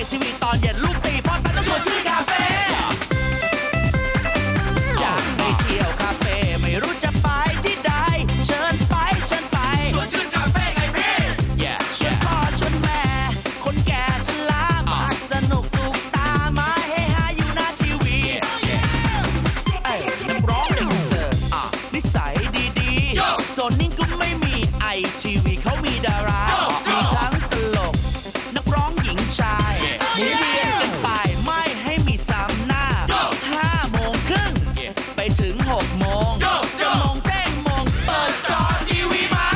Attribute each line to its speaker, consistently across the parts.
Speaker 1: ทีวีตอนเย็นลูกตีพอดไปต้องชวนชื่นคาเฟ่จะไปเที่ยวคาเฟ่ไม่รู้จะไปที่ใดเชิญไปชวนชื่นคาเฟ่ไงพี่ ชวนพ่อชวนแม่คนแก่ชรามาสนุกถูกตามาเฮฮาอยู่หน้าทีวีนักร้องเด็กเสิร์ฟนิสัยดีๆโซนนิ่งก็ไม่มีไอทีวีเขามีดารามีทั้งตลกนักร้องหญิงชายหมุนเวียนกันไปไม่ให้มีซ้ำหน้า5 โมงครึ่งไปถึง6 โมงจะมงเต้งมงเปิดจอทีวีมา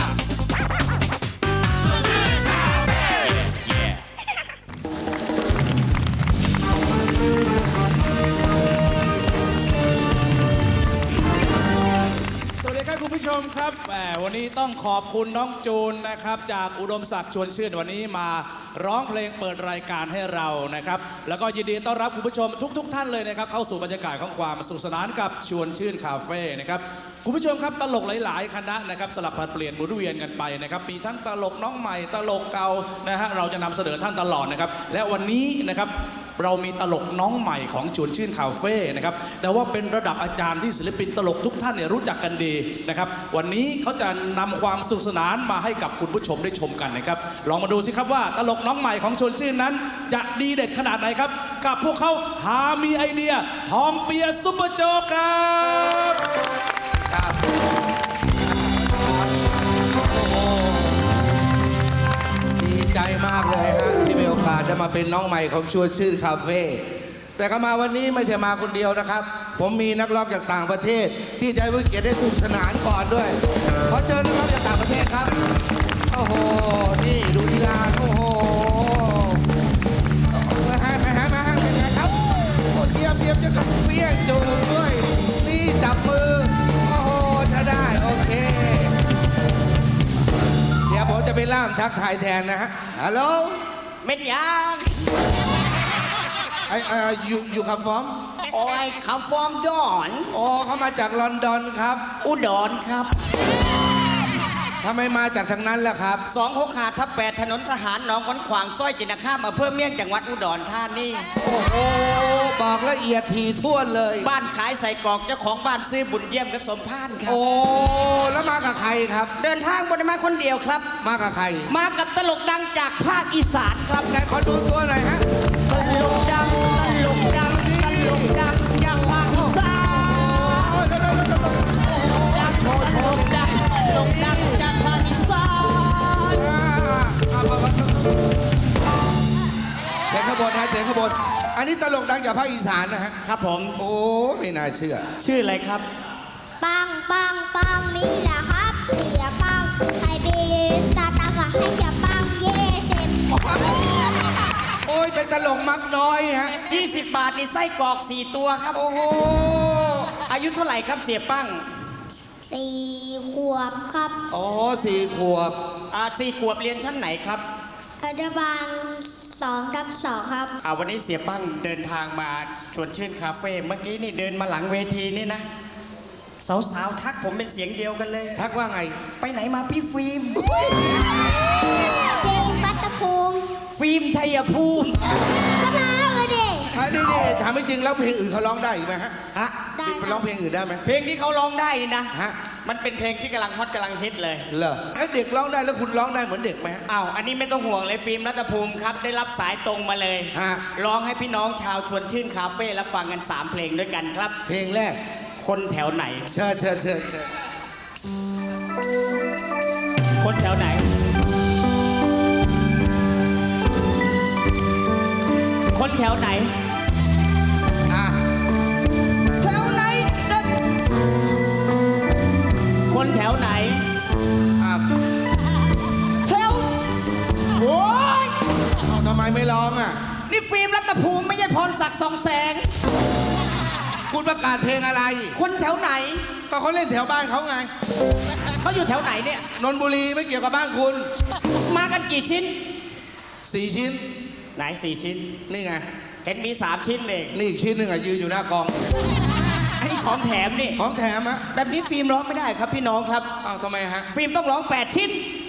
Speaker 2: สวัสดีครับคุณผู้ชมครับวันนี้ต้องขอบคุณน้องจูนนะครับจากอุดมศักดิ์ชวนชื่นวันนี้มาร้องเพลงเปิดรายการให้เรานะครับแล้วก็ยินดีต้อนรับคุณผู้ชมทุกท่านเลยนะครับเข้าสู่บรรยากาศของความสนุกสนานกับชวนชื่นคาเฟ่นะครับคุณผู้ชมครับตลกหลายๆคณะนะครับสลับผลัดเปลี่ยนหมุนเวียนกันไปนะครับมีทั้งตลกน้องใหม่ตลกเก่านะฮะเราจะนำเสนอท่านตลอดนะครับและวันนี้นะครับเรามีตลกน้องใหม่ของชวนชื่นคาเฟ่นะครับแต่ว่าเป็นระดับอาจารย์ที่ศิลปินตลกทุกท่านเนี่ยรู้จักกันดีนะครับวันนี้เขาจะนำความสนุกสนานมาให้กับคุณผู้ชมได้ชมกันนะครับลองมาดูสิครับว่าตลกน้องใหม่ของชวนชื่นนั้นจะดีเด็ดขนาดไหนครับกับพวกเขาหามีไอเดียทองเปียซุปเปอร์โจ๊กครับ
Speaker 3: ดีใจมากเลยฮะที่มีโอกาสได้มาเป็นน้องใหม่ของชวนชื่นคาเฟ่แต่ก็มาวันนี้ไม่ใช่มาคนเดียวนะครับผมมีนักร้องจากต่างประเทศที่จะให้เกียรติได้สนุกสนานก่อนด้วยขอเชิญนักร้องจากต่างประเทศครับโอ้โหนี่ดูลีลาโอ้โหมาฮะเป็นไงครับโอ้เยี่ยมจะเปี้ยงจูงด้วยนี่จับมือโอ้โหถ้าได้โอเคเดี๋ยวผมจะไปล่ามทักทายแทนนะฮะฮัลโหล
Speaker 4: เม็ดยาง
Speaker 3: you come from
Speaker 4: โอ้ยคำฟอร์มดอน
Speaker 3: อ๋อเขามาจากลอนดอนครับ
Speaker 4: อุดรครับ
Speaker 3: ทำไมมาจากทางนั้นล่ะครับ
Speaker 4: 265/8ถนนทหารหนองขอนขวางซอยจินข้ามอำเภอเมียงจังหวัดอุดรธานี
Speaker 3: โอ้โหบอกละเอียดถี่ถ้วนเลย
Speaker 4: บ้านขายใส่กรอกเจ้าของบ้านซื้อบุญเยี่ยมกับสมพานครับ
Speaker 3: โอ้แล้วมากับใครครับ
Speaker 4: เดินทางบนมาคนเดียวครับ
Speaker 3: มากับใคร
Speaker 4: มากับตลกดังจากภาคอีสานครับ
Speaker 3: ไหนขอดูตัวหน่อยฮะ
Speaker 4: ตลกดังจากภาคอีสาน
Speaker 3: โอ้โชว์
Speaker 4: ตลกดังจากภาคอีสาน
Speaker 3: เสียงขบวนฮะเสียงขบวนอันนี้ตลกดังจากภาคอีสานนะฮะ
Speaker 4: ครับผม
Speaker 3: โอ้ไม่น่าเชื่อ
Speaker 4: ชื่ออะไรครับ
Speaker 5: ปังนี่แหละครับเสียปังไฮเบสตาตังอะให้เสียปังเย่เซม
Speaker 3: โอ้ยเป็นตลกมักน้อยฮะ
Speaker 4: 20 บาทนี่ไส้กรอก4 ตัวครับ
Speaker 3: โอ้โห
Speaker 4: อายุเท่าไหร่ครับเสียปั้ง
Speaker 5: 4 ขวบครับ
Speaker 3: อ๋อ4 ขวบ
Speaker 4: 4 ขวบเรียนชั้นไหนครับ
Speaker 5: อนุบาล2/2ครับ
Speaker 4: วันนี้เสียปั้งเดินทางมาชวนชื่นคาเฟ่เมื่อกี้นี่เดินมาหลังเวทีนี่นะ สาวๆทักผมเป็นเสียงเดียวกันเลย
Speaker 3: ทักว่าไง
Speaker 4: ไปไหนมาพี่ฟิล์ม
Speaker 5: เจฟัตตภูมิ
Speaker 4: ฟิล์มชัยภูมิ
Speaker 5: ก็มาเลยดิ
Speaker 3: นี่ถามจริงๆแล้วเพลงอื่นเขาร้องได้อีกไหมฮะ
Speaker 4: ฮะ
Speaker 5: ได้
Speaker 3: ไปร้องเพลงอื่นได้ไหม
Speaker 4: เพลงที่เขาร้องได้นะ
Speaker 3: ฮะ
Speaker 4: มันเป็นเพลงที่กำลังฮอตกำลังฮิตเลย
Speaker 3: เหรอเด็กร้องได้แล้วคุณร้องได้เหมือนเด็กไหมฮะ
Speaker 4: อันนี้ไม่ต้องห่วงเลยฟิล์มรัตภูมิครับได้รับสายตรงมาเลย
Speaker 3: ฮะ
Speaker 4: ร้องให้พี่น้องชาวชวนชื่นคาเฟ่และฟังกัน3 เพลงด้วยกันครับ
Speaker 3: เพลงแรก
Speaker 4: คนแถวไหน
Speaker 3: เชิญ
Speaker 4: คนแถวไหน คนแถวไหน
Speaker 3: อ่ะ
Speaker 4: แถวไหนเด็กคนแถวไหน
Speaker 3: อ่ะ
Speaker 4: แถวโอ้ย
Speaker 3: เอาทำไมไม่ร้องอ่ะ
Speaker 4: นี่ฟิล์มรัตภูมิไม่ใช่พรศักดิ์สองแสง
Speaker 3: คุณประกาศเพลงอะไร
Speaker 4: คนแถวไหน
Speaker 3: ก็เขาเล่นแถวบ้านเขาไง
Speaker 4: เขาอยู่แถวไหนเนี่ย
Speaker 3: นนทบุรีไม่เกี่ยวกับบ้านคุณ
Speaker 4: มากันกี่ชิ้น
Speaker 3: 4 ชิ้น
Speaker 4: ไหน4 ชิ้น
Speaker 3: นี่ไง
Speaker 4: เห็นมี3 ชิ้นเอง
Speaker 3: นี่อีกชิ้นหนึ่งอ่ะยืนอยู่หน้ากอง
Speaker 4: อันนี้ของแถมนี่
Speaker 3: ของแถมฮะ
Speaker 4: แบบนี้ฟิล์มร้องไม่ได้ครับพี่น้องครับ
Speaker 3: อ้าวทำไมฮะ
Speaker 4: ฟิล์มต้องร้อง8 ชิ้น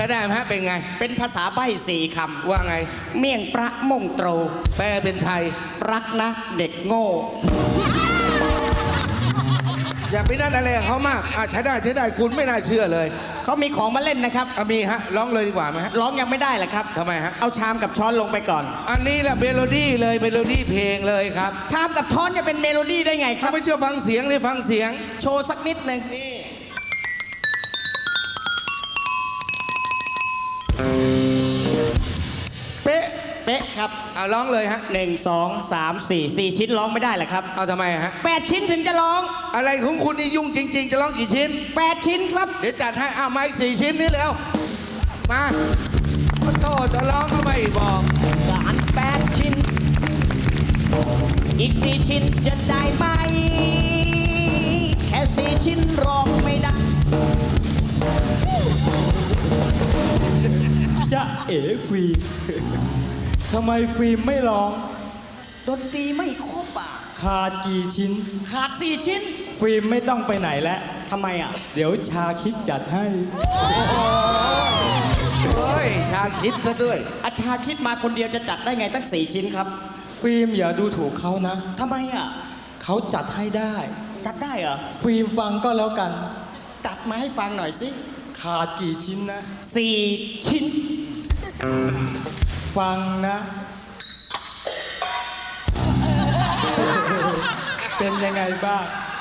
Speaker 3: ช้ได้ไหมฮะเป็นไง
Speaker 4: เป็นภาษาใบ้สี่ค
Speaker 3: ว่าไง
Speaker 4: ำเมี่ยงประมงโตร
Speaker 3: แปลเป็นไทย
Speaker 4: รักนะเด็กโง่
Speaker 3: อย่าไปนั่นอะไรกับเขามากใช้ได้คุณไม่น่าเชื่อเลย
Speaker 4: เขามีของมาเล่นนะครับ
Speaker 3: มีฮะร้องเลยดีกว่าไหมฮะ
Speaker 4: ร้องยังไม่ได้เหรอครับ
Speaker 3: ทำไมฮะ
Speaker 4: เอาชามกับช้อนลงไปก่อน
Speaker 3: อันนี้แหละเมโลดี้เลยเมโลดี้เพลงเลยครับ
Speaker 4: ชามกับช้อนจะเป็นเมโลดี้ได้ไงค
Speaker 3: ถ้า
Speaker 4: รับ
Speaker 3: ไม่เชื่อฟังเสียงเลยฟังเสียง
Speaker 4: โชว์สักนิดหนึ่ง
Speaker 3: เป๊ะ
Speaker 4: เป๊ะครับ
Speaker 3: ร้องเลยฮะ
Speaker 4: 1 2 3 4 4 ชิ้นร้องไม่ได้เหรอครับ
Speaker 3: เอาทำไมฮะ
Speaker 4: 8 ชิ้นถึงจะร้อง
Speaker 3: อะไรของคุณนี่ยุ่งจริง ๆ จะร้องกี่ชิ้น
Speaker 4: 8 ชิ้นครับ
Speaker 3: เดี๋ยวจัดให้มาอีก4 ชิ้นนี้แล้วมาโตจะร้องก็ไม่บอก
Speaker 4: การ8 ชิ้น อีก 4 ชิ้นจะได้ไหม แค่ 4 ชิ้นร้องไม่ได้
Speaker 6: จะเอ๋ฟิล์มทำไมฟิล์มไม่ร้อง
Speaker 4: ดนตรีไม่ครบอ่ะ
Speaker 6: ขาดกี่ชิ้น
Speaker 4: ขาด 4 ชิ้น
Speaker 6: ฟิล์มไม่ต้องไปไหนแล้ว
Speaker 4: ทำไมอ่ะ
Speaker 6: เดี๋ยวชาคิดจัดให้
Speaker 3: เฮ้ยชาคิดซะด้วย
Speaker 4: อาชาคิดมาคนเดียวจะจัดได้ไงตั้ง 4 ชิ้นครับ
Speaker 6: ฟิล์มอย่าดูถูกเขานะ
Speaker 4: ทำไมอ่ะ
Speaker 6: เขาจัดให้ได้
Speaker 4: จัดได้เหรอ
Speaker 6: ฟิล์มฟังก็แล้วกัน
Speaker 4: จัดมาให้ฟังหน่อยสิ
Speaker 6: ขาดกี่ชิ้นนะ
Speaker 4: 4 ชิ้น
Speaker 6: ฟังนะ เป็นยังไงบ้าง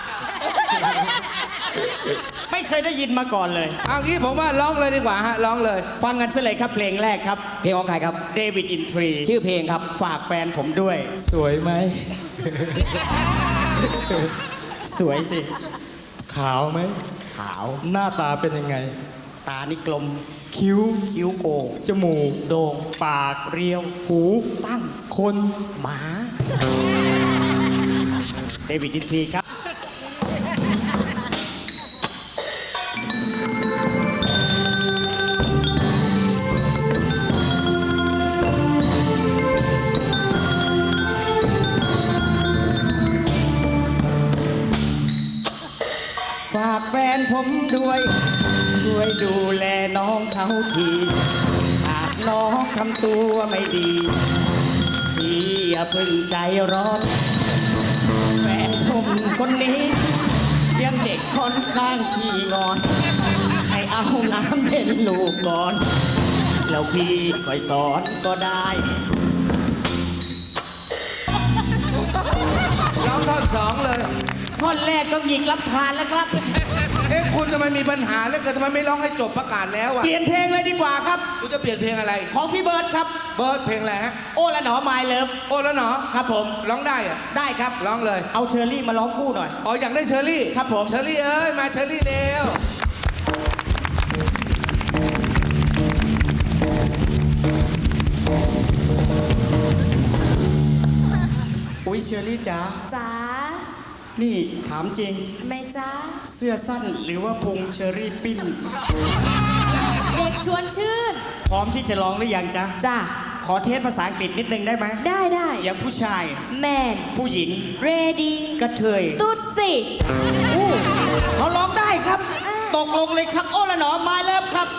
Speaker 4: ไม่เคยได้ยินมาก่อนเลย
Speaker 3: เอางี้ผมว่าร้องเลยดีกว่าฮะร้องเลย
Speaker 4: ฟังกันซะเลยครับเพลงแรกครับ
Speaker 7: เพลงของใครครับ
Speaker 4: เดวิดอินทรี
Speaker 7: ชื่อเพลงครับ
Speaker 4: ฝากแฟนผมด้วย
Speaker 6: สวยไหม
Speaker 4: สวยสิ
Speaker 6: ขาวไหม
Speaker 4: ขาว
Speaker 6: หน้าตาเป็นยังไง
Speaker 4: ตานี่กลม
Speaker 6: คิ้ว
Speaker 4: คิ้วโกง
Speaker 6: จมูก
Speaker 4: โด่ง
Speaker 6: ปาก
Speaker 4: เรียว
Speaker 6: หู
Speaker 4: ตั้ง
Speaker 6: คน
Speaker 4: หมา เดวิดอินทรีครับ ฝากแฟนผมด้วย ช่วยดูแลน้องเขาทีหากน้องทำตัวไม่ดี พี่อย่าเพึ่งใจร้อน แฟนผมคนนี้ยังเด็กค่อนข้างขี้งอน ให้เอาน้ำเป็นลูกก่อน แล้วพี่ค่อยสอนก็ได้
Speaker 3: ร้องท่อน2เลย
Speaker 4: ท่อนแรกก็หยิกรับทานแล้วครับ
Speaker 3: คุณทำไมมีปัญหาแล้วเกิดทำไมไม่ร้องให้จบประกาศแล้วอ่ะ
Speaker 4: เปลี่ยนเพลงเลยดีกว่าครับ
Speaker 3: คุณจะเปลี่ยนเพลงอะไร
Speaker 4: ของพี่เบิร์ดครับ
Speaker 3: เบิร์ดเพลงอะไรฮะ
Speaker 4: โอ้ละหนอไมล์เลิฟ
Speaker 3: โอ้แล้วเนาะ
Speaker 4: ครับผม
Speaker 3: ร้องได้อะ
Speaker 4: ได้ครับ
Speaker 3: ร้องเลย
Speaker 4: เอาเชอรี่มาร้องคู่หน่อย
Speaker 3: อยากได้เชอรี่
Speaker 4: ครับผม
Speaker 3: เชอรี่เอ้ยมาเชอรี่เร็ว
Speaker 4: อุ้ยเชอรี่จ๋า
Speaker 8: จ๋า
Speaker 4: นี่ถามจริง
Speaker 8: ทำไมจ๊ะ
Speaker 4: เสื้อสั้นหรือว่าพุงเชอรี่ปิ้น
Speaker 8: เด็กชวนชื่น
Speaker 4: พร้อมที่จะร้องหรือยังจ๊ะ
Speaker 8: จ้ะ
Speaker 4: ขอเทสภาษาอังกฤษนิดนึงได้ไหม
Speaker 8: ได้ได้
Speaker 4: อย่างผู้ชาย
Speaker 8: แมน
Speaker 4: ผู้หญิง
Speaker 8: เรดี
Speaker 4: กระเทย
Speaker 8: ตุ๊ดสิ
Speaker 4: เขาร้องได้ครับ ตกลงเลยครับ โอ้ละหนอไมล์เลิฟครับ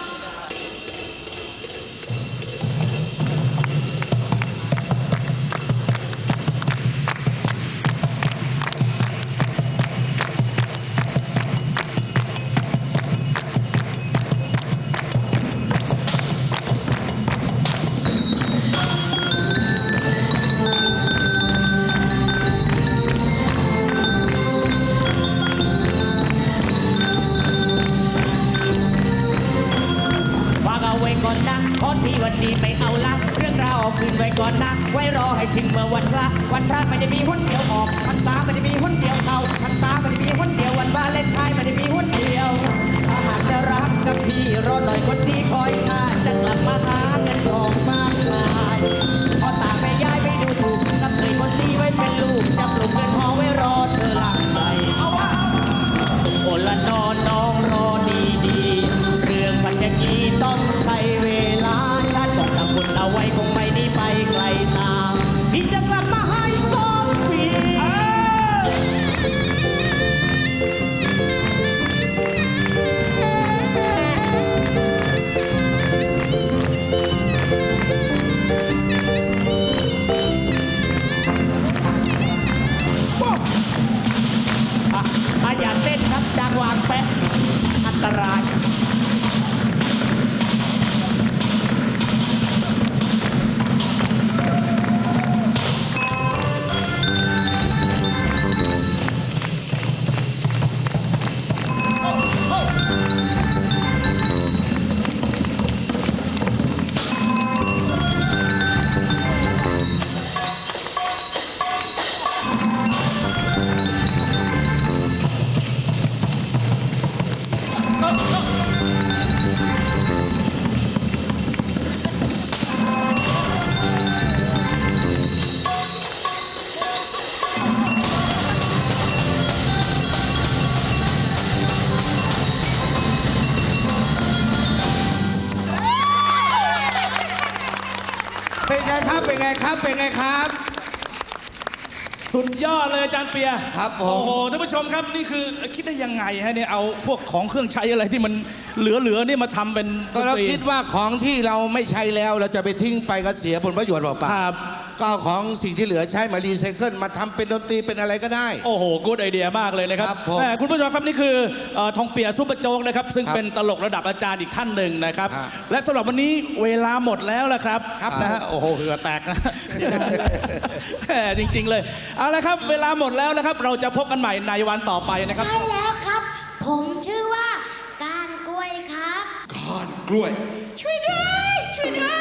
Speaker 3: ไงครับ เป็นไงครับ
Speaker 2: สุดยอดเลยอาจารย์เปีย
Speaker 3: ครับผม
Speaker 2: โอ้โหท่านผู้ชมครับนี่คือคิดได้ยังไงฮะเนี่ยเอาพวกของเครื่องใช้อะไรที่มันเหลือๆเนี่ยมาทำเป็น
Speaker 3: ก็เรา
Speaker 2: ดนต
Speaker 3: คิดว่าของที่เราไม่ใช้แล้วเราจะไปทิ้งไปก็เสียผลประโยชน์เปล่า
Speaker 2: ครับ
Speaker 3: ๆก็เอาของสิ่งที่เหลือใช้มารีไซเคิลมาทำเป็นดนตรีเป็นอะไรก็ได้
Speaker 2: โอ้โหกู๊ดไอเดียมากเลยนะครับ
Speaker 3: ครับผม
Speaker 2: คุณผู้ชมครับนี่คือทองเปียซุปเปอร์โจ๊กนะครับซึ่ง
Speaker 3: ครับ
Speaker 2: เป็นตลกระดับอาจารย์อีกท่านหนึ่งนะครับ
Speaker 3: ฮะ
Speaker 2: และสำหรับวันนี้เวลาหมดแล้วละครับ
Speaker 3: ครับ
Speaker 2: นะฮะโอ้โหเหงื่อแตกนะ แหมจริง ๆ เลยเอาละครับเวลาหมดแล้วนะครับเราจะพบกันใหม่ในวันต่อไปนะครับ
Speaker 5: ใช่แล้วครับ ผมชื่อว่าการกล้วยครับ
Speaker 3: กล้วย
Speaker 5: ช่วยด้วยช่วยด้วย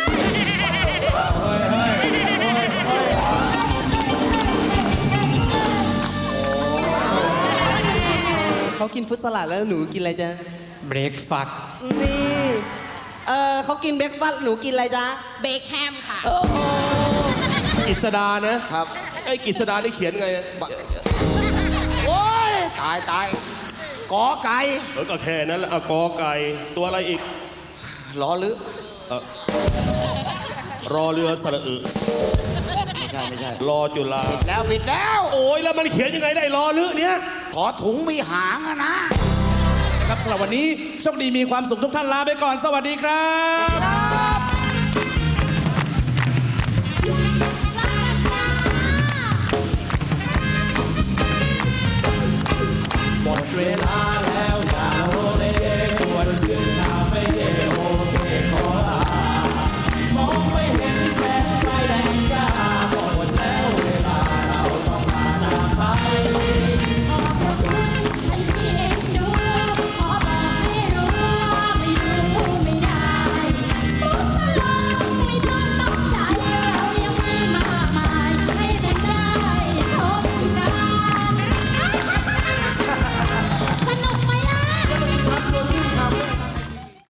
Speaker 9: เขากินฟรุตสลัดแล้วหนูกินอะไรจ๊ะ
Speaker 4: เบรกฟัด
Speaker 9: นี่เขากินเบรกฟาสต์หนูกินอะไรจ๊ะ
Speaker 8: เบคแฮมค่ะ
Speaker 10: กิษดานะครับ ไอ้กิษดาได้เขียนไง
Speaker 3: โอ้ยตายตายกอไก่
Speaker 10: ก็แค่นั้นแหละกอไก่ตัวอะไรอีก
Speaker 3: ล้อลึ
Speaker 10: รอเรือสระอึ
Speaker 3: ไม่ใช่ไม่ใช่
Speaker 10: รอจุฬา
Speaker 3: แล้วผิดแล้ว
Speaker 10: โอ้ยแล้วมันเขียนยังไงได้รอลึเนี้ย
Speaker 3: ขอถุงมีหางอะนะ
Speaker 2: นะครับสำหรับวันนี้โชคดีมีความสุขทุกท่านลาไปก่อนสวัสดีครับหมดเวลา